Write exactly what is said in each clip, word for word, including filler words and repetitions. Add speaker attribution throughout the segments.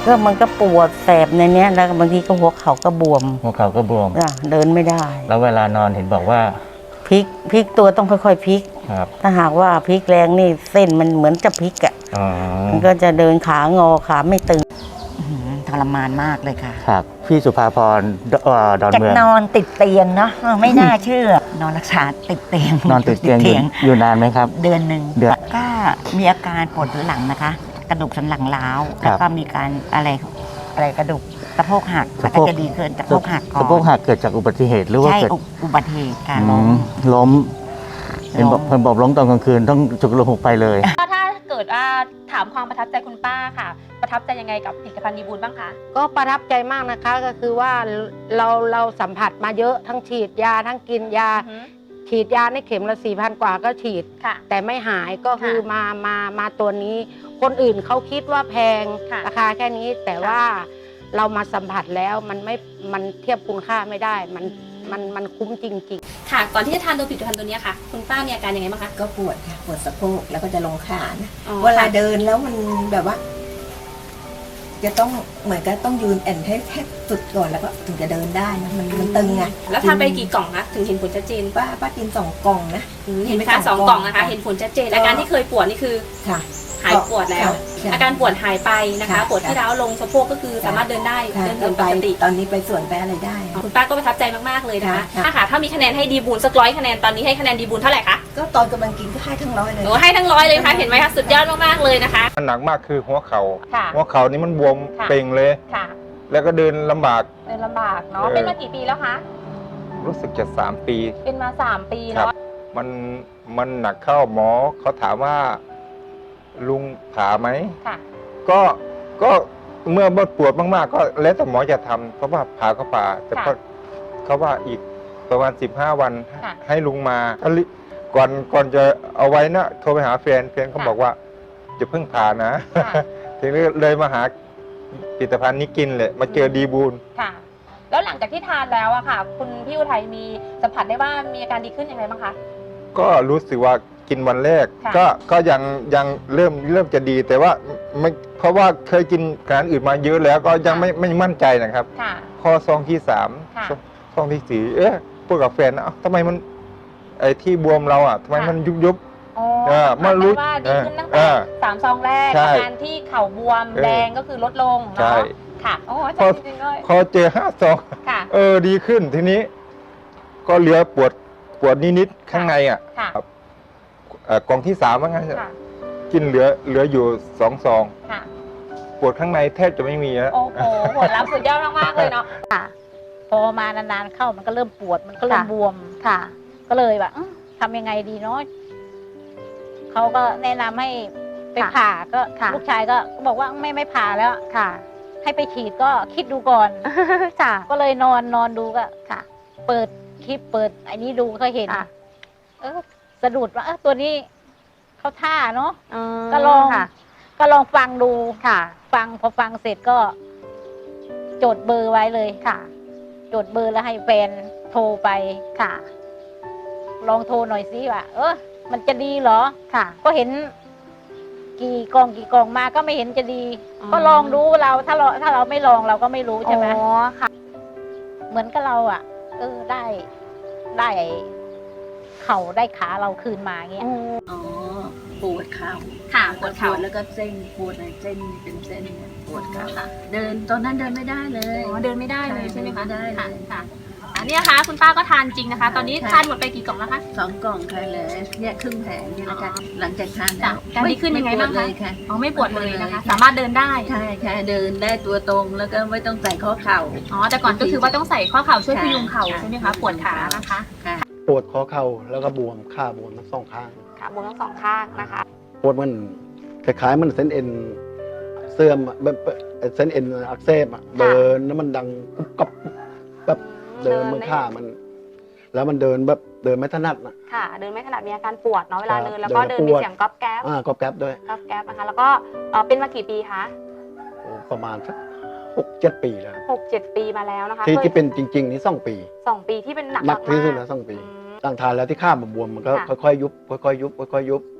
Speaker 1: ก็มันก็ปวดแสบในเนี้ยแล้วบางทีก็หัวเข่าก็บวม
Speaker 2: หัวเข่าก็บวม
Speaker 1: เดินไม่ได้
Speaker 2: แล้วเวลานอนเห็นบอกว่า
Speaker 1: พลิกพลิกตัวต้องค่อยๆพลิก
Speaker 2: ครับ
Speaker 1: ถ้าหากว่าพลิกแรงนี่เส้นมันเหมือนจะพลิกอ่ะมันก็จะเดินขางอขาไม่ตึง
Speaker 3: ทรมานมากเลยค่ะ
Speaker 2: ครับพี่สุภาพรดอนเมือง
Speaker 3: นอนติดเตียงเนาะไม่น่าเชื่อนอนรักษาติดเตียง
Speaker 2: นอนติดเตียงอยู่นานไหมครับ
Speaker 3: เดือนหนึ่งก็มีอาการปวดหลังนะคะกระดูกสันหลังล้าวแล้วก็มีการอะไรอะไรกระดูกสะโพกหักแล้วก็จะดีขึ้นสะโพกหักก่อน
Speaker 2: สะโพกหักเกิดจากอุบัติเหตุหรือว่าเกิด
Speaker 3: อุบัติเหตุการล้ม
Speaker 2: ล้มเห็นบอกเพิ่นบอกล้มตอนกลางคืนต้องจุกลมหกไปเลย
Speaker 4: ถ้าเกิดว่าถามความประทับใจคุณป้าค่ะประทับใจยังไงกับผลิตภัณฑ์ดีบูลบ้างคะ
Speaker 5: ก็ประทับใจมากนะคะก็คือว่าเราเราสัมผัสมาเยอะทั้งฉีดยาทั้งกินยาฉีดยาในเข็มละสี่พันกว่าก็ฉีดแต่ไม่หายก็คือมามามาตัวนี้คนอื่นเขาคิดว่าแพงราคาแค่นี้แต่ว่าเรามาสัมผัสแล้วมันไม่มันเทียบคุณค่าไม่ได้มันมันมันคุ้มจริง
Speaker 4: ๆค่ะก่อนที่จะทานตัวผลิตภัณฑ์ตัวนี้ค่ะคุณป้ามีอาการยังไงบ้างคะ
Speaker 6: ก็ปวดค่ะปวดสะโพกแล้วก็จะลงขานะเวลาเดินแล้วมันแบบว่าจะต้องเหมือนกับต้องยืนแอนให้แทบสุดก่อนแล้วก็ถึงจะเดินได้นะมันมันตึงไง
Speaker 4: แล้วทานไปกี่กล่องคะถึงเห็นผลชัดเจน
Speaker 6: ป้าป้ากินสองกล่องนะ
Speaker 4: เห็นไหมคะสองกล่องนะคะเห็นผลชัดเจนอาการที่เคยปวดนี่คือ
Speaker 6: ค่ะ
Speaker 4: หายปวดแล้วอาการปวดหายไปนะคะปวดที่ร้าวลงสะโพกก็คือสามารถเดินได้เดินเดินปกติ
Speaker 6: ตอนนี้ไปสวนไปอะไรได้
Speaker 4: คุณป้าก็ประทับใจมากๆเลยนะคะถ้าค่ะถ้ามีคะแนนให้ดีบูลสักร้อยคะแนนตอนนี้ให้คะแนนดีบูลเท่าไหร่คะ
Speaker 6: ก็ตอนกำลังกินก็ให้ทั้งร้อยเลย
Speaker 4: โอ้ให้ทั้งร้อยเลยค่ะเห็นไหมคะสุดยอดมากๆเลยนะคะ
Speaker 7: มันหนักมากคือหัวเข่าหัวเข่านี่มันบวมเป่งเลยแล้วก็เดินลำบาก
Speaker 4: เดินลำบากเนาะเป็นมากี่ปีแล้วคะ
Speaker 7: รู้สึกจะสามปี
Speaker 4: เป็นมาสามปีเนาะ
Speaker 7: มันมันหนักเข้าหมอเขาถามว่าลุงผ่าไหมก็ก็เมื่อปวดมากๆก็แล้วแต่หมอจะทำเพราะว่าผ่าก็ผ่าแต่ก็เขาว่าอีกประมาณสิบห้าวันให้ลุงมาก่อนก่อนจะเอาไว้นะโทรไปหาแฟนแฟนเขาบอกว่าจะเพิ่งผ่านะทีนี้เลยมาหาผลิตภัณฑ์นี้กินเลยมาเจอดีบูล
Speaker 4: ค่ะแล้วหลังจากที่ทานแล้วอะค่ะคุณพี่อุทัยมีสัมผัสได้ว่ามีอาการดีขึ้นยังไงบ้างคะ
Speaker 7: ก็รู้สึกว่ากินวันแรกก็ก็ยังยังเริ่มเริ่มจะดีแต่ว่าไม่เพราะว่าเคยกินอาหารอื่นมาเยอะแล้วก็ยังไม่ไม่มั่นใจนะครับข้อซองที่สามซองที่สี่เอ๊ะพูดกับแฟนนะทำไมมันไอ้ที่บวมเราอ่ะทำไมมันยุบยุบ
Speaker 4: อ๋อมารู้ว่าดีขึ้นตั้งแต่สามซองแรกอาการที่เข่าบวมแดงก็คือลดลงเนาะค่ะโอ้ใช่จริงเลย
Speaker 7: พอเจอห้าซองเออดีขึ้นทีนี้ ก็เหลือปวดปวดนิดๆข้างในอ่ะกล่องที่สามว่างั้นกินเหลือเหลืออยู่สองซองปวดข้างในแทบจะไม่มีแล้ว
Speaker 4: โอ้โหผลลัพธ์สุดยอดมากๆเลยเนาะ
Speaker 5: พอมานานๆเข้ามันก็เริ่มปวดมันก็เริ่มบวมค่ะก็เลยแบบทำยังไงดีเนาะเขาก็แนะนำให้ไปผ่าก็ลูกชายก็บอกว่าไม่ไม่ผ่าแล้วค่ะให้ไปฉีดก็คิดดูก่อนค่ะก็เลยนอนนอนดูก็ค่ะเปิดคลิปเปิดไอ้นี้ดูก็เห็นเออสะดุดว่าเออตัวนี้เขาท่าเนาะก็ลองก็ลองฟังดูค่ะฟังพอฟังเสร็จก็จดเบอร์ไว้เลยค่ะจดเบอร์แล้วให้แฟนโทรไปค่ะลองโทรหน่อยสิว่าเออมันจะดีเหรอค่ะก็เห็นกี่กองกี่กองมาก็ไม่เห็นจะดีก็ลองดูเราถ้าเราถ้าเราไม่ลองเราก็ไม่รู้ใช่ไหมอ๋อค่ะเหมือนกับเราอ่ะเออได้ได้เข่าได้ขาเราคืนมาเงี้ย
Speaker 6: อ๋อปวดเข่า
Speaker 4: ค่ะปวดเข่า
Speaker 6: แล้วก็เส้นปวดเส้นเป็นเส้นปวดเข่าเดินตอนนั้นเดินไม่ได้เลย
Speaker 4: อ๋อเดินไม่ได้เลยใช่ไหมคะ
Speaker 6: ได้
Speaker 4: ค่ะค่ะอันนี้นะคะคุณป้าก็ทานจริงนะคะตอนนี้ทานหมดไปกี่กล่องแล้วคะ
Speaker 6: สองกล่องค่ะเลยเนี่ยครึ่งแผงนี่นะคะหลังจากทาน
Speaker 4: การดีขึ้นยังไงบ้างคะอ๋อไม่ปวดเลยนะคะสามารถเดินได้
Speaker 6: ใช่ค่ะเดินได้ตัวตรงแล้วก็ไม่ต้องใส่ข้อเข่า
Speaker 4: อ๋อแต่ก่อนก็คือว่าต้องใส่ข้อเข่าช่วยพยุงเข่าใช่ไหมคะปวดขานะคะ
Speaker 8: ปวดข้อเข่าแล้วก็บวมขาบวมทั้งสองข้าง
Speaker 4: ขาบวมทั้งสองข้างนะคะ
Speaker 8: ปวดมันคล้ายๆมันเส้นเอ็นเสื่อมแบบเส้นเอ็นอักเสบเดินแล้วมันดังกุ๊บกับแบบเดินมือข้ามันแล้วมันเดินแบบเดินไม่ถนัดนะ
Speaker 4: ค่ะเดินไม่ถนัดมีอาการปวดเนาะเวลาเดินแล้วก็เดินมีเสียงก๊อบแก๊บ
Speaker 8: อ่าก๊อบแก๊บด้วย
Speaker 4: ก๊อบแก๊บนะคะแล้วก็เป็นมากี่ปีคะ
Speaker 8: ประมาณสักหกเจ็ดปีแล้ว
Speaker 4: หกเจ็ดปีมาแล้วนะคะ
Speaker 8: ที่ที่เป็นจริงๆนี่สองปี
Speaker 4: สองปีที่เป็นหนัก
Speaker 8: หนักที่สุดแล้วสองปีตั้งทานแล้วที่ข้ามบวมมันก็ค่อยๆยุบค่อยๆยุบค่อยๆยุบ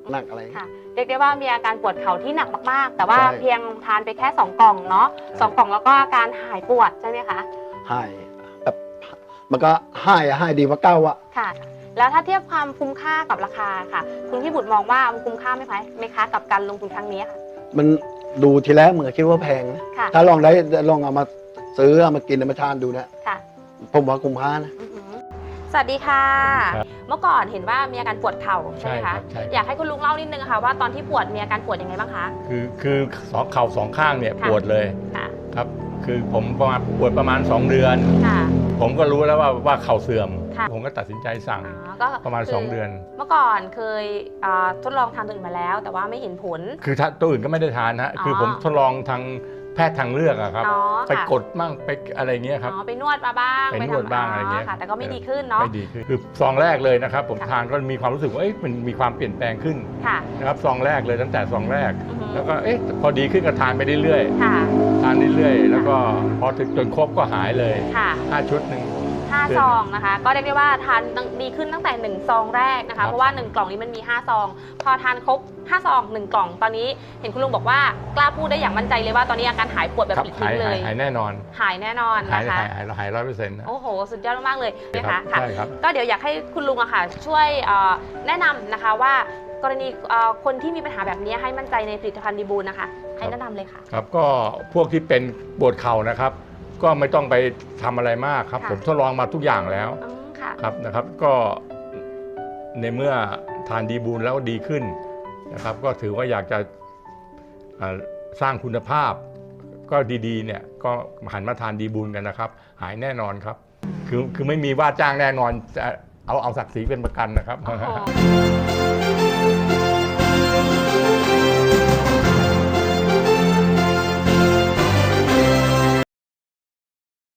Speaker 8: หนักอะไร
Speaker 4: ค่ะเรียกได้ว่ามีอาการปวดเข่าที่หนักมากๆ แต่ว่า
Speaker 8: ใช่
Speaker 4: เพียงทานไปแค่สองกล่องเนาะสองกล่องแล้วก็อาการหายปวดใช่ไหมคะ
Speaker 8: หายแบบมันก็หายอะหายดีกว่าเก้าอะ
Speaker 4: ค่ะ แล้วถ้าเทียบความคุ้มค่ากับราคาค่ะ คุณพี่บุตรมองว่ามันคุ้มค่าไหมคะไหมคะกับการลงทุนครั้งนี้ค่ะ
Speaker 8: มันดูทีแรกเหมือนคิดว่าแพงนะ
Speaker 4: ค่ะ
Speaker 8: ถ้าลองได้ลองเอามาซื้อเอามากินเอามาทานดูนะ
Speaker 4: ค่ะ
Speaker 8: ผมว่าคุ้มค่านะ
Speaker 4: อือหือสวัสดีค่ะ เมื่อก่อนเห็นว่ามีอาการปวดเข่าใช่ไหม
Speaker 9: ใช่ครั
Speaker 4: คะ
Speaker 9: บใช่
Speaker 4: อยากให้คุณลุงเล่านิดนึงค่ะว่าตอนที่ปวดมีอาการปวดยังไงบ้างคะ
Speaker 9: คือคือสองเข่าสองข้างเนี่ย
Speaker 4: ค่ะ
Speaker 9: ปวดเลย
Speaker 4: ค่ะ
Speaker 9: ครับ คือผมประมาณปวดประมาณสองเดือน
Speaker 4: ค่ะ
Speaker 9: ผมก็รู้แล้วว่าว่าเข่าเสื่อม
Speaker 4: ค่ะ
Speaker 9: ผมก็ตัดสินใจสั่ง
Speaker 4: อ๋อก็
Speaker 9: ประมาณ
Speaker 4: คื
Speaker 9: สองเดือน
Speaker 4: เมื่อก่อนเคยอ่าทดลองทานตัวอื่นมาแล้ว แต่ว่าไม่เห็นผล
Speaker 9: คือถ้าตัวอื่นก็ไม่ได้ทานนะ
Speaker 4: อ๋อ
Speaker 9: คือผมทดลองทางแพทย์ทางเลือกอะครับ
Speaker 4: อ๋อ
Speaker 9: ไป
Speaker 4: ค่ะ
Speaker 9: กดมั่งไปอะไรเงี้ยครับ
Speaker 4: อ๋อไปนวดมาบ้าง
Speaker 9: ไปนวด
Speaker 4: ทำ
Speaker 9: บ้างอะไรเงี้ย
Speaker 4: ค่ะ แต่ก็ไม่ดีขึ้นเนาะ
Speaker 9: ไม่ดีขึ้นคือซองแรกเลยนะครับ ผม
Speaker 4: ค่ะ
Speaker 9: ทานก็มีความรู้สึกว่าเอ๊ะมันมีความเปลี่ยนแปลงขึ้น
Speaker 4: ค่ะ
Speaker 9: นะครับซองแรกเลยตั้งแต่ซองแรก
Speaker 4: อือหือ
Speaker 9: แล้วก็เอ๊ะพอดีขึ้นก็ทานไปเรื่อย
Speaker 4: ค่ะ
Speaker 9: ๆทานเรื่อยๆแล้วก็พอถึงจนครบก็หายเลย
Speaker 4: ค่ะ
Speaker 9: ห้าชุดหนึ่ง
Speaker 4: ห้าซองนะคะ ก็เรียกได้ว่าทานดีขึ้นตั้งแต่หนึ่งซองแรกนะ
Speaker 9: ครั
Speaker 4: คะ
Speaker 9: บ
Speaker 4: เพราะว่าหนึ่งกล่องนี้มันมีห้าซอง พอทานครบห้าซองหนึ่งกล่องตอนนี้เห็นคุณลุงบอกว่ากล้าพูดได้อย่างมั่นใจเลยว่าตอนนี้อาการหายปวดแบบ
Speaker 9: ครับ
Speaker 4: ปลิด
Speaker 9: หา
Speaker 4: ทิ้
Speaker 9: ย
Speaker 4: งเล
Speaker 9: หาย
Speaker 4: ย
Speaker 9: หายแน่นอน
Speaker 4: หายแน่นอน
Speaker 9: หาย
Speaker 4: นะคะ
Speaker 9: หายหายหายร้อยเปอร์เซ็นต์นะ
Speaker 4: โอ้โห สุดยอดมากๆเลยนะ
Speaker 9: ครั
Speaker 4: คะ
Speaker 9: บ
Speaker 4: ค่ะ
Speaker 9: ใช่ครับ
Speaker 4: ก็เดี๋ยวอยากให้คุณลุงอะค่ะช่วยเอ่อแนะนำนะคะว่ากรณีเอ่อคนที่มีปัญหาแบบนี้ให้มั่นใจในผลิตภัณฑ์ดีบูลนะคะ ให้แนะนำเลยค่ะ
Speaker 9: ครับก็พวกที่เป็นปวดเข่านะครับ ก็ไม่ต้องไปทำอะไรมากครับ
Speaker 4: ค่ะ
Speaker 9: ผมทดลองมาทุกอย่างแล้ว
Speaker 4: อืมค่ะ
Speaker 9: ครับนะครับ ก็ในเมื่อทานดีบูลแล้วดีขึ้นนะครับ ก็ถือว่าอยากจะเอ่อสร้างคุณภาพ ก็ดีๆเนี่ยก็หันมาทานดีบูลกันนะครับ หายแน่นอนครับ คือคือไม่มีว่าจ้างแน่นอนจะเอาเอาศักดิ์ศรีเป็นประกันนะครับ
Speaker 4: โอ้โห